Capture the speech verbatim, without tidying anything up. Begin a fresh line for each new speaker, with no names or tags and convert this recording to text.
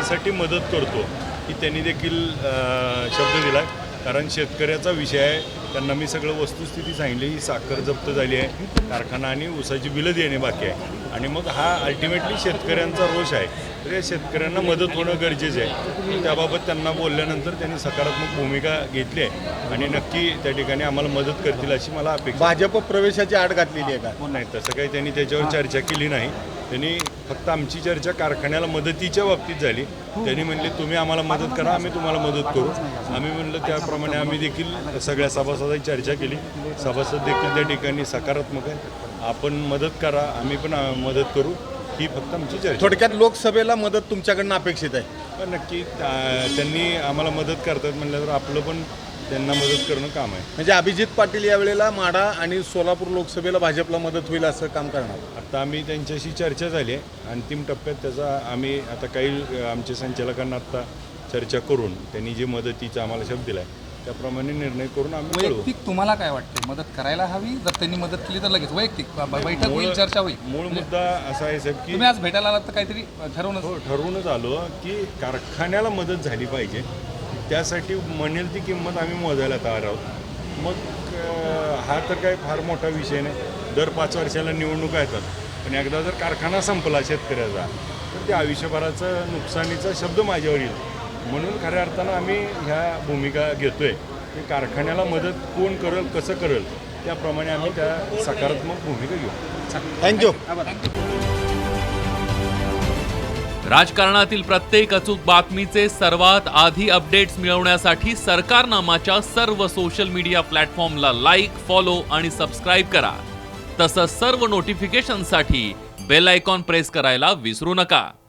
यासाठी मदत करतो की त्यांनी देखील शब्द दिला. कारण शेतकऱ्याचा विषय आहे, त्यांना मी सगळं वस्तुस्थिती सांगितली. ही साखर जप्त झाली आहे, कारखाना आणि ऊसाची बिलं देणे बाकी आहे आणि मग हा अल्टिमेटली शेतकऱ्यांचा रोष आहे. तर या शेतकऱ्यांना मदत होणं गरजेचं आहे. त्याबाबत त्यांना बोलल्यानंतर त्यांनी सकारात्मक भूमिका घेतली आहे आणि नक्की त्या ठिकाणी आम्हाला मदत करतील अशी मला अपेक्षा.
भाजप प्रवेशाची आड घातलेली आहे का?
नाही, तसं काही त्यांनी त्याच्यावर चर्चा केली नाही. त्यांनी फक्त आमची चर्चा कारखान्याला मदतीच्या बाबतीत झाली. त्यांनी म्हणले तुम्ही आम्हाला मदत करा, आम्ही तुम्हाला मदत करू. आम्ही म्हणलं त्याप्रमाणे आम्ही देखील सगळ्या सभासदांची चर्चा केली. सभासद देखील त्या ठिकाणी सकारात्मक आहे. आपण मदत करा, आम्ही पण मदत करू, ही फक्त आमची चर्चा.
थोडक्यात लोकसभेला मदत तुमच्याकडनं अपेक्षित आहे?
पण नक्की त्यांनी आम्हाला मदत करतात म्हणल्यावर आपलं पण त्यांना मदत करणं काम आहे.
म्हणजे अभिजित पाटील यावेळेला माढा आणि सोलापूर लोकसभेला भाजपला मदत होईल असं काम करणार?
आता आम्ही त्यांच्याशी चर्चा झाली आहे. अंतिम टप्प्यात त्याचा आम्ही आता काही आमच्या संचालकांना आता चर्चा करून त्यांनी जे मदतीचा आम्हाला शब्द दिला आहे त्याप्रमाणे निर्णय करून आम्ही.
वैयक्तिक तुम्हाला काय वाटते, मदत करायला हवी? जर त्यांनी मदत केली तर लगेच वैयक्तिक बैठक होईल, चर्चा होईल?
मूळ मुद्दा असा आहे साहेब की
तुम्ही आज भेटायला आलात तर काहीतरी ठरवून
हो ठरवूनच आलो की कारखान्याला मदत झाली पाहिजे. त्यासाठी म्हणेल ती किंमत आम्ही मोजायला तयार आहोत. मग हा तर काही फार मोठा विषय नाही. दर पाच वर्षाला निवडणुका येतात, पण एकदा जर कारखाना संपला शेतकऱ्याचा तर त्या आयुष्यभराचं नुकसानीचा शब्द माझ्यावर येईल. म्हणून खऱ्या अर्थानं आम्ही ह्या भूमिका घेतोय की कारखान्याला मदत कोण करेल, कसं करेल त्याप्रमाणे आम्ही त्या सकारात्मक भूमिका घेऊ.
थँक्यू.
राजकारणातील प्रत्येक अचूक बातमीचे सर्वात आधी अपडेट्स मिळवण्यासाठी सरकारनामाच्या सर्व सोशल मीडिया प्लॅटफॉर्मला लाईक, फॉलो आणि सबस्क्राईब करा. तसंच सर्व नोटिफिकेशनसाठी बेल आयकॉन प्रेस करायला विसरू नका.